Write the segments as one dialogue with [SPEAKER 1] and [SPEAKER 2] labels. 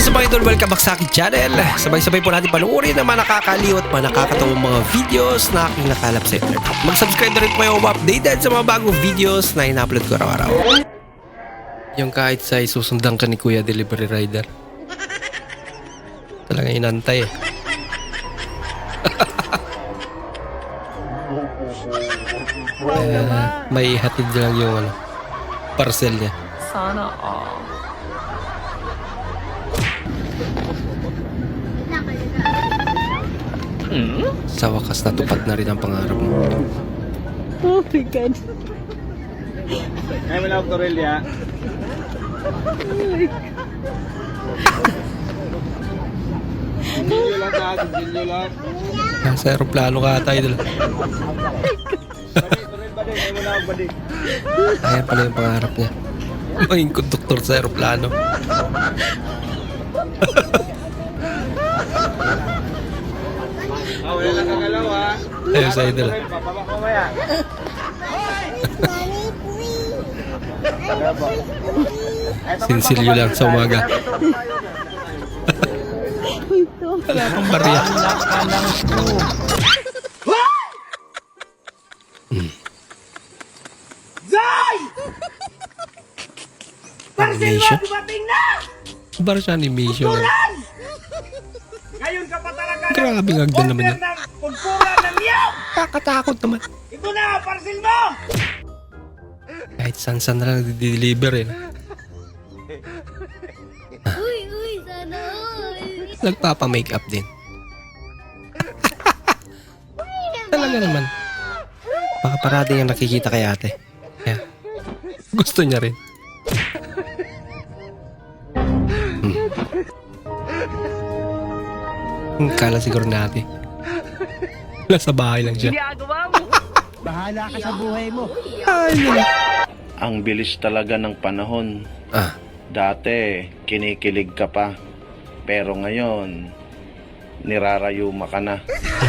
[SPEAKER 1] What's up mga idol? Welcome back sa aking channel. Sabay-sabay po natin panuorin ang mga nakakaliw at mga nakakatawang mga videos na aking nakalap sa internet. Mag-subscribe na rin po kayo updated sa mga bagong videos na ina-upload ko araw-araw. Yung kahit sa isusundan ka ni Kuya Delivery Rider. Talaga inantay eh. May hatid lang yung parcel niya.
[SPEAKER 2] Sana all.
[SPEAKER 1] Sa wakas natupad na rin ang pangarap mo.
[SPEAKER 2] Oh my God.
[SPEAKER 3] Ay, wala ako Aurelia. Gilyo lang ta, gilyo lang.
[SPEAKER 1] Nasa aeroplano ka ata idol.
[SPEAKER 3] Badik, ay wala ako badik.
[SPEAKER 1] Ayan pala yung pangarap niya. Maging konduktor sa aeroplano.
[SPEAKER 3] Ah, wala lang kagalaw ha.
[SPEAKER 1] Ayun sa idol.
[SPEAKER 3] Papabak mo maya.
[SPEAKER 1] Sinsilyo lang sa umaga. Wala pang barya. Animation? Bar siya animation.
[SPEAKER 3] Ngayon ka pa talaga.
[SPEAKER 1] Grabe nga agdan naman yan.
[SPEAKER 3] Pagpura ng liyaw.
[SPEAKER 1] Kakatakot naman.
[SPEAKER 3] Ito na, parcel mo.
[SPEAKER 1] Kahit saan na lang deliver eh.
[SPEAKER 4] Uy, sana all.
[SPEAKER 1] Nagpapa-makeup din. Talaga naman. Baka parati yung nakikita kay ate. Kaya, gusto niya rin. Kala siguro natin. Nasa bahay lang siya.
[SPEAKER 3] Bahala ka sa buhay mo.
[SPEAKER 1] Ay, nila.
[SPEAKER 5] Ang bilis talaga ng panahon.
[SPEAKER 1] Ah,
[SPEAKER 5] Dati, kinikilig ka pa. Pero ngayon, nirarayuma ka na.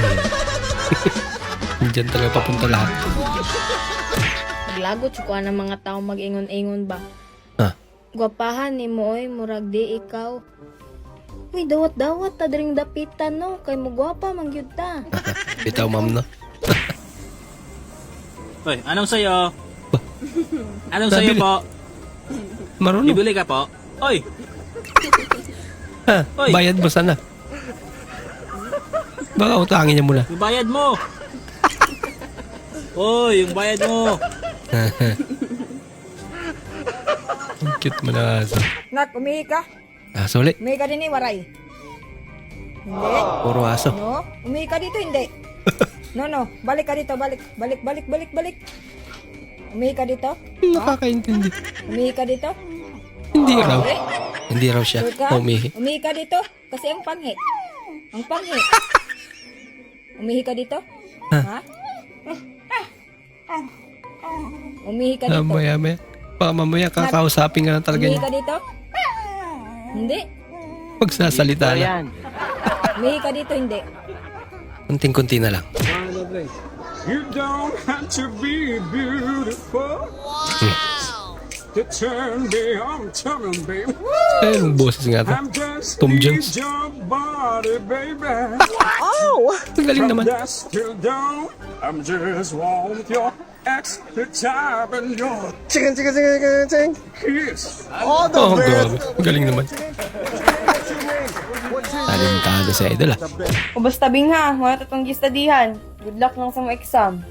[SPEAKER 1] dyan talaga papunta lahat.
[SPEAKER 4] Naglagot ko ng mga tao mag-ingon-ingon ba?
[SPEAKER 1] Ah,
[SPEAKER 4] Gwapahan ni mo oy, murag di ikaw. Uy, dawat-dawat ta dring dapitan no, kay mo gwapa man gyud ta.
[SPEAKER 1] bitaw ma'am no.
[SPEAKER 6] Hoy, anong sayo? Anong
[SPEAKER 1] Nabili.
[SPEAKER 6] sayo po?
[SPEAKER 1] Marunong.
[SPEAKER 6] Bibili ka po? Hoy,
[SPEAKER 1] Ha,
[SPEAKER 6] Oy.
[SPEAKER 1] bayad mo sana. Baka utangin niya muna.
[SPEAKER 6] yung bayad mo. Hoy, yung bayad mo.
[SPEAKER 1] Ang cute mo na aso.
[SPEAKER 2] Nak, umihi ka?
[SPEAKER 1] Aso ulit.
[SPEAKER 2] Umihi ka din waray. Hindi?
[SPEAKER 1] Puro aso.
[SPEAKER 2] No? Umihi ka dito, hindi. No. Balik ka dito, balik. Balik. Umihi ka dito?
[SPEAKER 1] Nakakaintindi.
[SPEAKER 2] Umihi ka dito?
[SPEAKER 1] Hindi raw. Hindi raw siya
[SPEAKER 2] Sure ka?
[SPEAKER 1] umihi.
[SPEAKER 2] Umihi ka dito? Kasi ang panghi. Ang panghi. Umihi ka dito? Ha? Umihi ka dito?
[SPEAKER 1] Maya. Baka mamaya kakausapin ka na talaga
[SPEAKER 2] Umihi
[SPEAKER 1] niya.
[SPEAKER 2] ka dito? Hindi.
[SPEAKER 1] Pagsasalita na.
[SPEAKER 2] Umihi ka dito, hindi.
[SPEAKER 1] Kunting-kunti na lang.
[SPEAKER 3] You don't have to be beautiful. To turn me on, turn baby.
[SPEAKER 1] Ayun, boses nga to.
[SPEAKER 3] I'm just
[SPEAKER 1] Tom
[SPEAKER 3] need
[SPEAKER 1] Jones.
[SPEAKER 3] your body, baby.
[SPEAKER 1] Ang galing naman.
[SPEAKER 3] Dusk till dawn, I'm just want your extra time and your kiss.
[SPEAKER 1] Oh, grabe. Ang galing naman. Talentado sa idol ah.
[SPEAKER 7] O basta bing ha, mga tatong gistadihan. Good luck lang sa mga exam.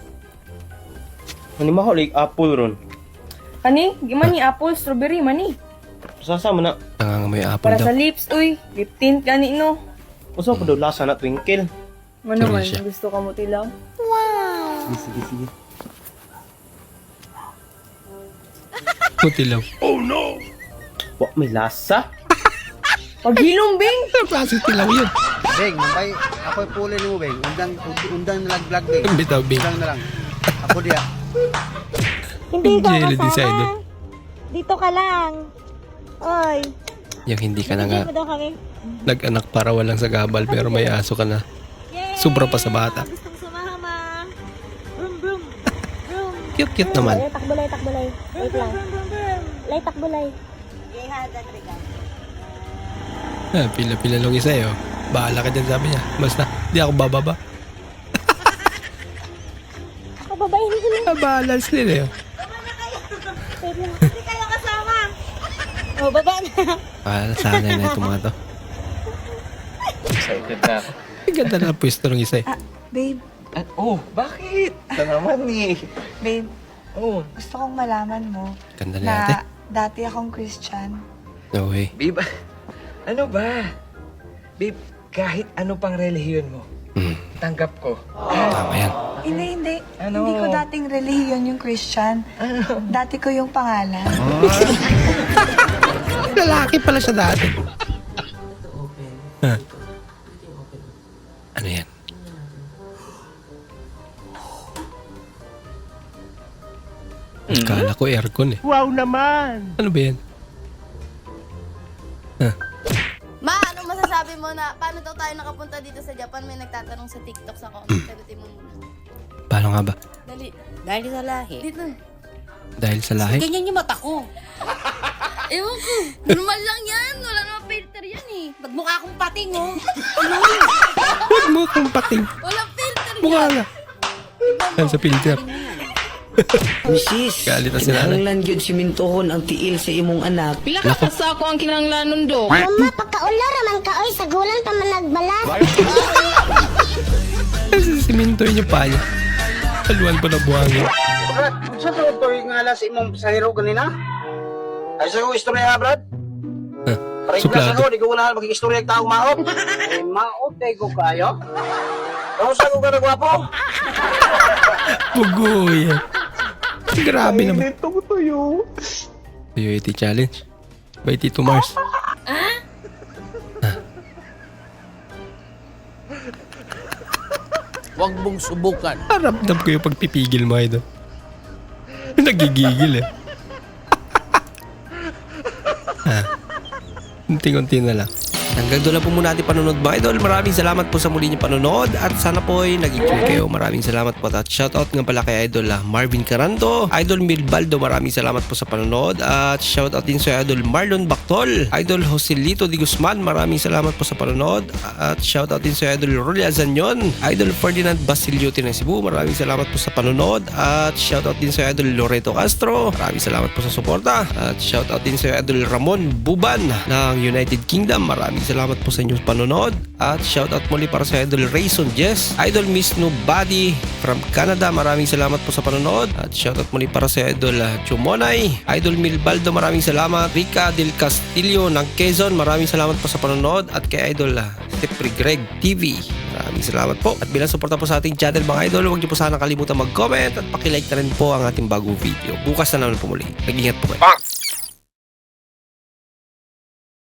[SPEAKER 8] Ani maholik apple ron.
[SPEAKER 7] Kani, gimana ni apple, strawberry, mani.
[SPEAKER 8] Sasa man na.
[SPEAKER 1] Nangangamoy apple
[SPEAKER 7] Para
[SPEAKER 1] daw.
[SPEAKER 7] sa lips, uy. Lip tint kani no.
[SPEAKER 8] Usa pa daw lasa na twinkle.
[SPEAKER 7] Ano man,
[SPEAKER 1] siya.
[SPEAKER 7] gusto ka mo tilaw?
[SPEAKER 8] Sige.
[SPEAKER 1] Putilaw.
[SPEAKER 8] Wa may lasa.
[SPEAKER 7] Paghilom, bing!
[SPEAKER 1] Ang klaseng tilaw yun.
[SPEAKER 9] Beng, mabay, ako'y puli ni mo, Beng. Undang na lang vlog, Beng.
[SPEAKER 1] Ang bitaw, Bing.
[SPEAKER 9] Undang na lang. Ako diya.
[SPEAKER 1] Hindi ka din sa idol.
[SPEAKER 10] Dito ka lang. Oy.
[SPEAKER 1] Yung hindi ka na nga
[SPEAKER 10] Dito kami.
[SPEAKER 1] nag-anak para walang sagabal pero may aso ka na.
[SPEAKER 10] Yay!
[SPEAKER 1] Sobra pa sa bata.
[SPEAKER 10] Gustong sumama. Brum, brum. Brum.
[SPEAKER 1] Cute naman.
[SPEAKER 10] Takbolay. Wait lang. Lay, takbolay.
[SPEAKER 1] Pila-pila lang isa eh. Oh. Bahala ka dyan, sabi niya. Basta, di ako bababa.
[SPEAKER 4] Pababayin ko lang.
[SPEAKER 1] Balance nila eh.
[SPEAKER 10] Hindi kayo kasama.
[SPEAKER 4] Oh, baba na.
[SPEAKER 1] Sana na itong mga to.
[SPEAKER 8] Excited na ako.
[SPEAKER 1] Ang ganda na pwesto ng isa eh.
[SPEAKER 2] Babe,
[SPEAKER 8] Bakit? Ito naman eh.
[SPEAKER 2] babe,
[SPEAKER 8] Oh,
[SPEAKER 2] gusto kong malaman mo
[SPEAKER 1] Ganda na ate.
[SPEAKER 2] dati akong Christian.
[SPEAKER 1] No way.
[SPEAKER 11] Babe, ano ba? Babe, kahit ano pang relihiyon mo, tanggap ko.
[SPEAKER 1] Tama yan.
[SPEAKER 2] Hindi.
[SPEAKER 11] Ano?
[SPEAKER 2] Hindi ko dating relihiyon yung Christian. Dati ko yung pangalan.
[SPEAKER 1] Lalaki pala siya dati. Huh. Ano yan? Akala ko aircon eh.
[SPEAKER 8] wow naman!
[SPEAKER 1] Ano ba yan?
[SPEAKER 7] Ma, anong masasabi mo na paano daw tayo nakapunta dito sa Japan? May nagtatanong sa TikTok sa comment. Sagutin mo muna.
[SPEAKER 1] Paano nga ba?
[SPEAKER 7] Dali.
[SPEAKER 10] Dahil sa lahi.
[SPEAKER 7] Dito.
[SPEAKER 1] Dahil sa lahi?
[SPEAKER 10] Ganyan yung mata ko.
[SPEAKER 7] Ewan ko. Normal lang yan. Wala naman filter yan eh.
[SPEAKER 10] Magmukha akong pating, oh.
[SPEAKER 1] Huwag mo kong pating.
[SPEAKER 7] Walang filter
[SPEAKER 1] Mukha
[SPEAKER 7] yan.
[SPEAKER 1] nga. Yan sa filter.
[SPEAKER 11] Misis,
[SPEAKER 1] Galit na si nanay.
[SPEAKER 11] kinahanglan yun simintohon ang tiil sa imong anak.
[SPEAKER 10] Pila ka kasako ang kinanglanon do.
[SPEAKER 4] Mama, pagkaulo raman ka, oy, sagulan pa man nagbalas.
[SPEAKER 1] Siminto yun yung panya. Haluan pa na buhangin.
[SPEAKER 9] Brad, saan to ito yung alas imong sa hero ganina? Ay sa ko istorya, Brad. Paring
[SPEAKER 1] Suplado.
[SPEAKER 9] klase ko, di ko wala maging istorya yung taong maot. Eh, maot eh ko kayo. Ano sa ko ka nagwapo?
[SPEAKER 1] Bugoy. Grabe naman.
[SPEAKER 8] Ito ko tuyo.
[SPEAKER 1] Tuyo iti challenge. By Tito Mars.
[SPEAKER 6] Huwag mong subukan.
[SPEAKER 1] Ramdam ko yung pagpipigil mo, idol. Nagigigil eh. Unti-unti na lang. Hanggang doon lang po muna ating panonood mga idol. Maraming salamat po sa muli niyong panonood at sana po ay nag-enjoy kayo. Maraming salamat po at shoutout nga pala kay idol Marvin Caranto, idol Milbaldo, maraming salamat po sa panonood at shoutout din sa idol Marlon Bactol, idol Joselito Di Guzman, maraming salamat po sa panonood at shoutout din sa idol Rolly Azanyon, idol Ferdinand Basiliote ng Cebu, maraming salamat po sa panonood at shoutout din sa idol Loreto Castro, maraming salamat po sa suporta at shoutout din sa idol Ramon Buban ng United Kingdom, maraming salamat po sa inyong panonood at shoutout muli para sa idol Rayson Jess, idol Miss Nobody from Canada, maraming salamat po sa panonood at shoutout muli para sa idol Chumonay, idol Milbaldo, maraming salamat, Rica Del Castillo ng Quezon, maraming salamat po sa panonood at kay idol Stepri Greg TV, maraming salamat po at bilang suporta po sa ating channel mga idol, huwag niyo po sana kalimutan mag-comment at pakilike na rin po ang ating bagong video. Bukas na naman po muli. Nag-ingat po kayo.